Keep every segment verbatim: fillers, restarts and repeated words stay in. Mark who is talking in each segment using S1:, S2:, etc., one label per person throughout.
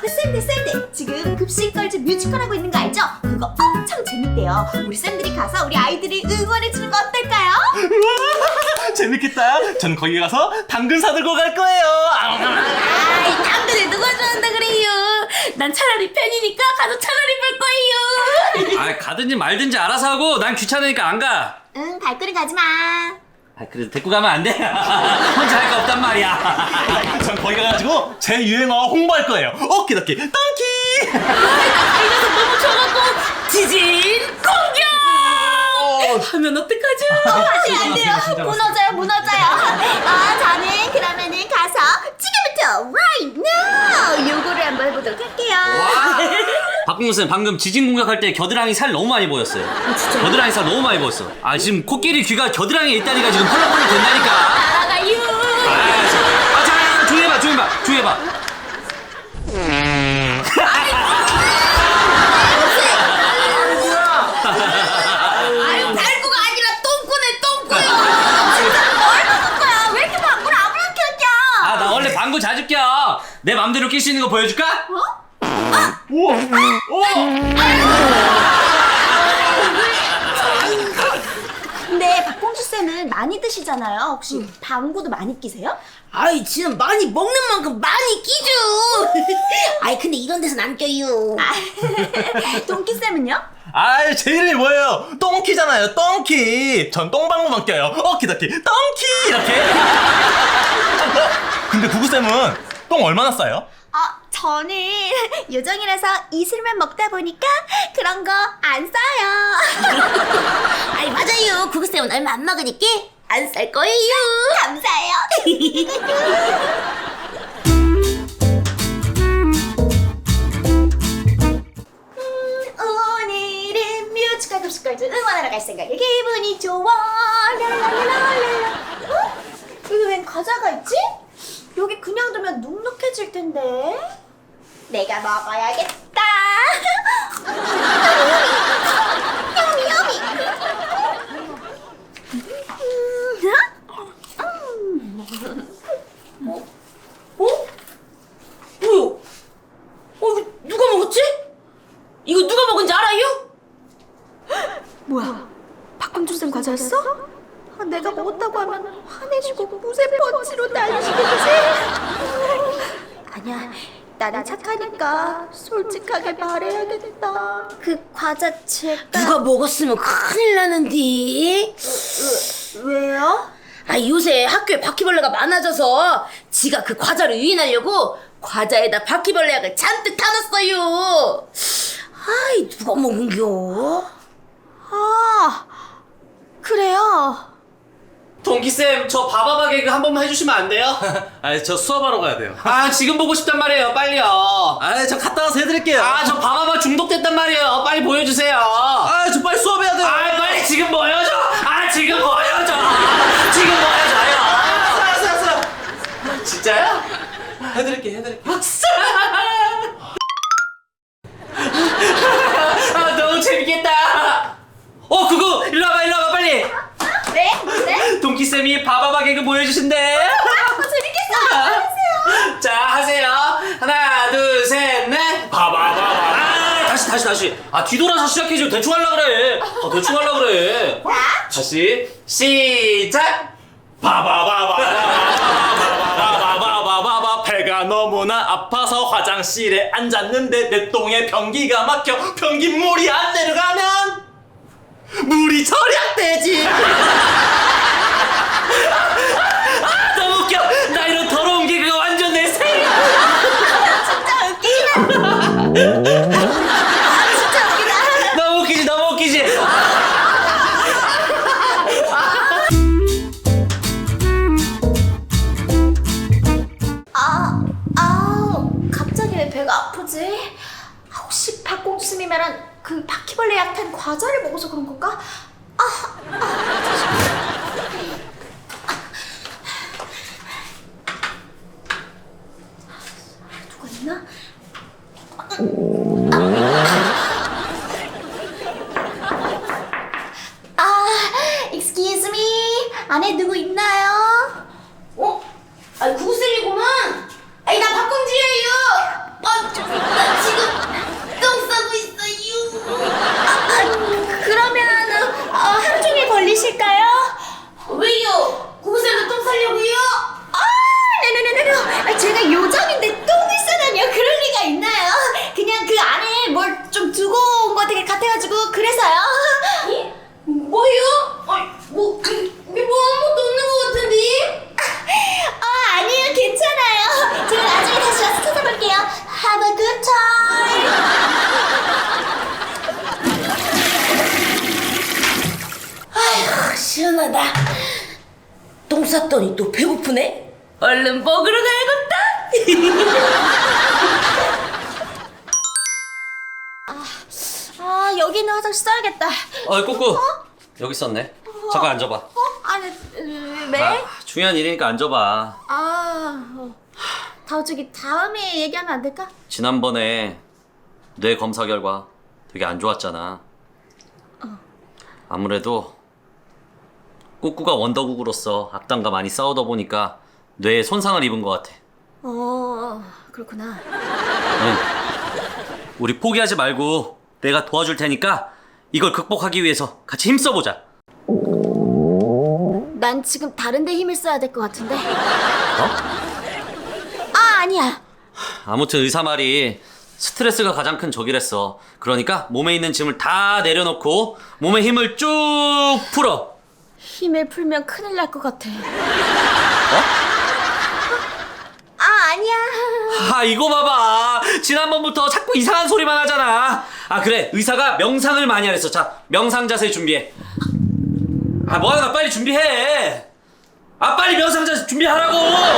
S1: 쌤들 쌤들 지금 급식걸즈 뮤지컬 하고 있는 거 알죠? 그거 엄청 재밌대요. 우리 쌤들이 가서 우리 아이들을 응원해주는 거 어떨까요?
S2: 우와, 재밌겠다. 전 거기 가서 당근 사들고 갈 거예요.
S1: 아이, 당근을 누가 좋아한다 그래요? 난 차라리 팬이니까 가서 차라리 볼 거예요.
S3: 아, 가든지 말든지 알아서 하고 난 귀찮으니까 안 가.
S1: 응, 발걸음 가지 마.
S3: 아, 그래도 데리고 가면 안 돼. 혼자 할 거 없단 말이야.
S2: 전 거기 가가지고 제 유행어 홍보할 거예요. 오키도키 덩키.
S1: 이래서 너무 좋아갖고 지진 공격! 하면 어떡하죠? 어, 안 돼요, 안 돼요. 무너져요, 무너져요. 아, 저는 그러면은 가서 지금부터 right now 요거를 한번 해보도록 할게요.
S3: 박봉근 쌤, 방금 지진 공격할 때 겨드랑이 살 너무 많이 보였어요.
S1: 아, 진짜요?
S3: 겨드랑이 살 너무 많이 보였어. 아, 지금 코끼리 귀가 겨드랑이에 있다니까 지금 펄럭펄럭 된다니까.
S1: 날아가요.
S3: 아, 자, 아, 자, 조용해봐, 조용해봐, 조용해봐.
S1: 아유, 발구가 아니라 똥꾸네, 똥꾸요. 진짜 뭘 먹은 거야? 왜 이렇게 방구를 아무렇게 껴?
S3: 아, 나 원래 방구 자주 껴. 내 맘대로 낄 수 있는 거 보여줄까?
S1: 어?
S2: 우와, 우와.
S1: 근데 박공주 쌤은 많이 드시잖아요. 혹시 방구도 많이 끼세요?
S4: 아이, 지금 많이 먹는 만큼 많이 끼죠. 아이, 근데 이런 데서는 안 껴요.
S1: 동키 쌤은요?
S2: 아, 제 이름이 뭐예요? 똥키잖아요. 똥키. 전 똥방구만 껴요. 오키도키 똥키 이렇게. 어, 근데 구구쌤은 똥 얼마나 싸요?
S1: 아, 저는 요정이라서 이슬만 먹다 보니까 그런 거 안 써요.
S4: 아이, 맞아요. 구구쌤은 얼마 안 먹으니까 안 쌀 거예요.
S1: 감사해요. 음, 오늘은 뮤지컬 급식걸즈 응원하러 갈 생각에 기분이 좋아. 랄랄랄랄라. 어? 여기 웬 과자가 있지? 여기 그냥 두면 눅눅해질 텐데. 내가 먹어야겠다. 여미 여미.
S4: 어? 뭐야? 어, 이거 누가 먹었지? 이거 누가 먹은지 알아요?
S1: 뭐야? 박광준 쌤 과자였어? 아, 내가 먹었다고 하면 화내시고 무쇠 펀치로 날리시겠지? 아니야, 나는 착하니까 솔직하게 말해야겠다. 그 과자 제가
S4: 누가 먹었으면 큰일 나는데.
S1: 왜요?
S4: 아, 요새 학교에 바퀴벌레가 많아져서 지가 그 과자를 유인하려고 과자에다 바퀴벌레 약을 잔뜩 타놨어요. 아이, 누가 먹은겨?
S1: 아, 그래요?
S3: 동기쌤, 저 바바바 개그 한 번만 해주시면 안 돼요?
S2: 아, 저 수업하러 가야 돼요.
S3: 아, 지금 보고 싶단 말이에요. 빨리요.
S2: 아, 저 갔다 와서 해드릴게요.
S3: 아, 저 바바바 중독됐단 말이에요. 빨리 보여주세요.
S2: 아, 저 빨리 수업해야 돼요.
S3: 아, 빨리 지금 보여줘. 아, 지금 보여줘. 지금 보여줘요.
S2: 알았어, 알았어, 알았어.
S3: 진짜요?
S2: 해드릴게, 해드릴게.
S3: 아, 너무 재밌겠다. 어, 그거 일로 와봐, 일로 와봐, 빨리.
S1: 네? 네?
S3: 동기쌤이 바바바 개그 보여주신대.
S1: 아, 재밌겠어. 하세요.
S3: 자, 하세요. 하나, 둘, 셋, 넷. 바바바바. 아, 다시, 다시, 다시. 아, 뒤돌아서 시작해줘. 대충 하려 그래. 아, 대충 하려 그래.
S1: 자,
S3: 다시 시작. 바바바바. 바바바바바바. 배가 너무나 아파서 화장실에 앉았는데 내 똥에 변기가 막혀. 변기물이 안 내려가면 물이 절약되지. 아, 너무 웃겨. 나 이런 더러운 개그가 완전 내 생이야.
S1: 진짜 웃기다. 아, 진짜 웃기다.
S3: 너무 웃기지, 너무 웃기지.
S1: 아, 아, 갑자기 왜 배가 아프지? 아, 혹시 박공주 쌤이 말한 그 바퀴벌레 약탄 과자를 먹어서 그런 건가? 아, 아, 누가 있나? 아, excuse me. 안에 누구 있나요?
S4: 어? 아이, 구구쌤이구만. 아이, 나 박공주예요. 아, 저, 봤더니 또 배고프네. 얼른 먹으러 가야겠다.
S1: 아, 여기 있는 화장실 써야겠다.
S5: 어, 꾸꾸. 여기 있었네. 잠깐 앉아봐.
S1: 어? 아니, 으, 네?
S5: 아, 중요한 일이니까 앉아봐.
S1: 아, 어. 다 저기 다음에 얘기하면 안 될까?
S5: 지난번에 뇌 검사 결과 되게 안 좋았잖아. 아무래도 꾸꾸가 원더국으로서 악당과 많이 싸우다 보니까 뇌에 손상을 입은 것 같아.
S1: 어, 그렇구나.
S5: 응. 우리 포기하지 말고 내가 도와줄 테니까 이걸 극복하기 위해서 같이 힘써보자.
S1: 난 지금 다른 데 힘을 써야 될 것 같은데.
S5: 어?
S1: 아, 아니야.
S5: 아무튼 의사 말이 스트레스가 가장 큰 적이랬어. 그러니까 몸에 있는 짐을 다 내려놓고 몸에 힘을 쭉 풀어.
S1: 힘을 풀면 큰일 날 것 같아.
S5: 어?
S1: 아, 아니야.
S5: 아, 이거 봐봐. 지난번부터 자꾸 이상한 소리만 하잖아. 아, 그래. 의사가 명상을 많이 하랬어. 자, 명상 자세 준비해. 아, 뭐하나 빨리 준비해. 아, 빨리 명상 자세 준비하라고.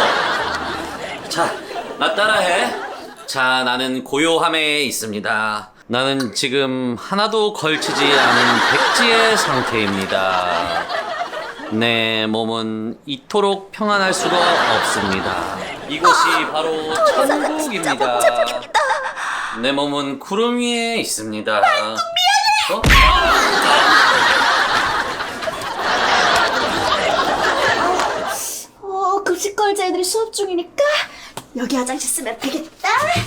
S5: 자, 나 따라해. 자, 나는 고요함에 있습니다. 나는 지금 하나도 걸치지 않은 백지의 상태입니다. 내 몸은 이토록 평안할 수가 없습니다. 이곳이 바로 천국입니다. 내 몸은 구름 위에 있습니다. 미안해. 어?
S1: 어, 급식걸즈 애들이 수업 중이니까 여기 화장실 쓰면 되겠다.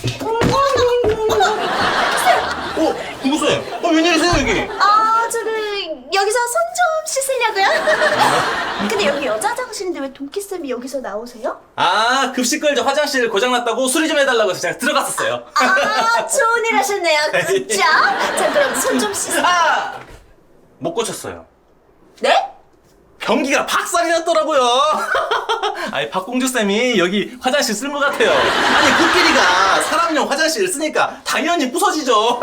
S2: 어, 누구세요? 어, 웬일이세요, 여기?
S1: 아, 저기 여기서 손 좀 씻으려고요. 근데 여기 여자 화장실인데 왜 동키쌤이 여기서 나오세요?
S2: 아, 급식걸즈 화장실 고장났다고 수리 좀 해달라고 해서 제가 들어갔었어요.
S1: 아, 좋은 일 하셨네요. 그죠? 자, 그럼 손 좀 씻어.
S2: 아! 못 고쳤어요.
S1: 네?
S2: 변기가 박살이 났더라고요. 아니, 박공주쌤이 여기 화장실 쓴 것 같아요. 아니, 코끼리가 사람용 화장실을 쓰니까 당연히 부서지죠.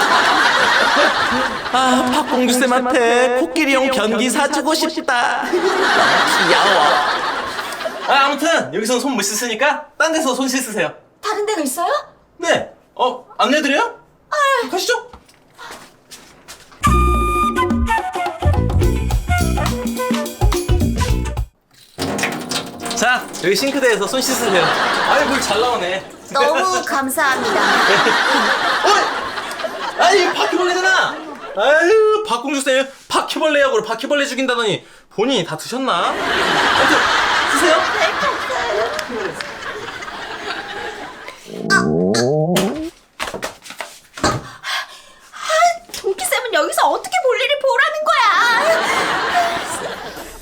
S2: 아, 박공주쌤한테 코끼리용 변기 사주고 싶다. 귀여워. 아, 아무튼 여기서 손 못 씻으니까 딴 데서 손 씻으세요.
S1: 다른 데가 있어요?
S2: 네. 어, 안내드려요? 아, 가시죠. 자, 여기 싱크대에서 손 씻으세요. 아이, 물 잘 나오네.
S1: 너무 감사합니다.
S2: 어? 아니, 바퀴벌레잖아. 아유, 박공주쌤 바퀴벌레 약으로 바퀴벌레 죽인다더니 본인이 다 드셨나? 아무튼 쓰세요.
S1: 동키쌤은 여기서 어떻게 볼일을 보라는 거야?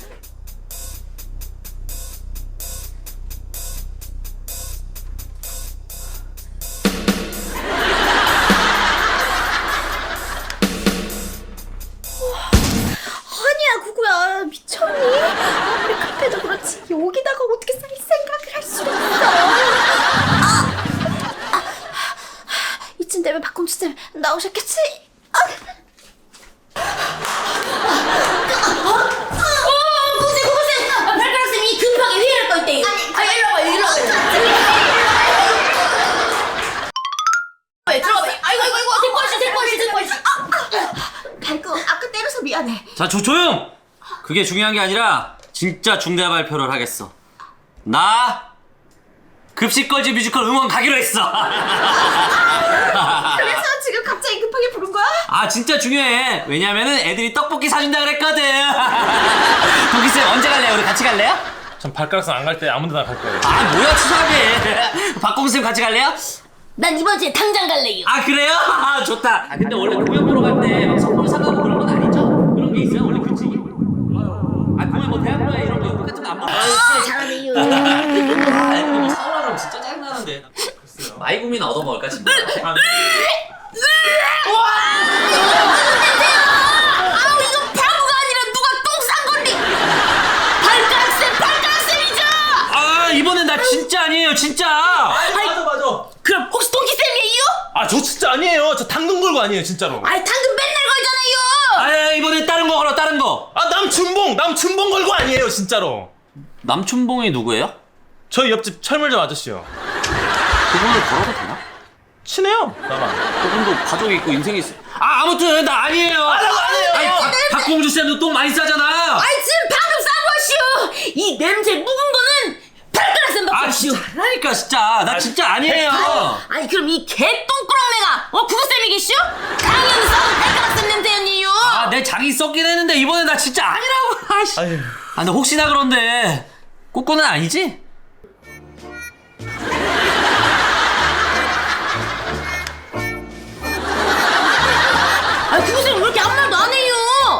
S1: 아니야, 구구야. 미쳤니? 아무리 급해도 그렇지 여기다가 어떻게 살 생각을 할 수가 있어. 아! 아! 이쯤 되면 박공주쌤 나오셨겠지? 아!
S4: 구구쌤 구구쌤. 아, 발가락쌤이 급하게 회의할 거 있대. 아, 일로 와봐 일로 와봐. 왜 들어가? 아이고 아이고 아이고. 데리고 왔어 데리고 왔어 데리고 왔어.
S1: 발구 아까 때려서 미안해.
S5: 자, 조, 조용! 그게 중요한 게 아니라 진짜 중대 발표를 하겠어. 나 급식걸즈 뮤지컬 응원 가기로 했어.
S1: 그래서 지금 갑자기 급하게 부른 거야?
S5: 아, 진짜 중요해. 왜냐면은 애들이 떡볶이 사준다 그랬거든. 도기쌤 언제 갈래요? 우리 같이 갈래요?
S2: 전 발가락선 안 갈 때 아무 데나 갈 거예요.
S5: 아, 뭐야 추석에. 박공쌤 같이 갈래요?
S4: 난 이번 주에 당장 갈래요.
S5: 아, 그래요? 아, 좋다. 아, 근데 원래 공연 보러 갈 때 선물 사가고 그런 건 아니죠? 그런 게 있어요? 원래 규칙이? 아, 공연 뭐 대학로에 이런 거 같은 거 안 먹어.
S4: 아, 잘하네요.
S5: 아, 이거 뭐 사오라 그러면 진짜 짜증나는데. 마이구미나 얻어먹을까, 진짜?
S2: 아,
S4: 아우, 이거 바보가 아니라 누가 똥 싼 건데. 발가락쌤 발가락쌤이죠.
S5: 아, 이번엔 나 진짜 아니에요, 진짜.
S2: 아이, 맞아, 맞아.
S4: 그럼 혹시 동기쌤이에요?
S2: 아, 저 진짜 아니에요. 저 당근 걸고 아니에요, 진짜로.
S4: 아이, 당근 맨날 걸잖아요.
S5: 아, 이번엔 다른 거 걸어, 다른 거.
S2: 아, 남춘봉! 남춘봉 걸고 아니에요, 진짜로.
S5: 남춘봉이 누구예요?
S2: 저희 옆집 철물점 아저씨요.
S5: 그분을 걸어도 되나?
S2: 친해요, 나랑.
S5: 그분도 가족이 있고 인생이 있어. 아 아무튼 나 아니에요.
S2: 아니에요, 아니에요.
S5: 아니, 박- 박공주 쌤도 똥 많이 싸잖아.
S4: 아이 지금 방금 싼 것이오. 이 냄새 묵은 거는 발가락 쌤
S5: 아
S4: 박수시오.
S5: 진짜 하라니까 진짜 나 진짜 아니에요.
S4: 아니 그럼 이 개똥꾸렁내가 어 구구쌤이겠슈? 강연 싸운 발가락 쌤 냄새였니요.
S5: 아 내 장이 썩긴 했는데 이번엔 나 진짜 아니라고. 아씨.
S2: 아유.
S5: 아 근데 혹시나 그런데 꼬꼬는 아니지?
S4: 아니 구구쌤 왜 이렇게 아무 말도 안 해요?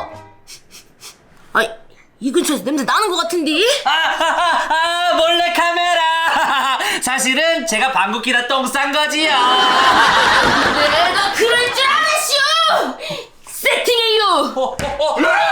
S4: 아이 이 근처에서 냄새 나는 것 같은데?
S5: 아, 아, 아, 아 몰래 카메라. 사실은 제가 방귀끼다 똥 싼 거지요.
S4: 내가 그럴 줄 알았슈! 세팅해요!
S5: 어, 어, 어.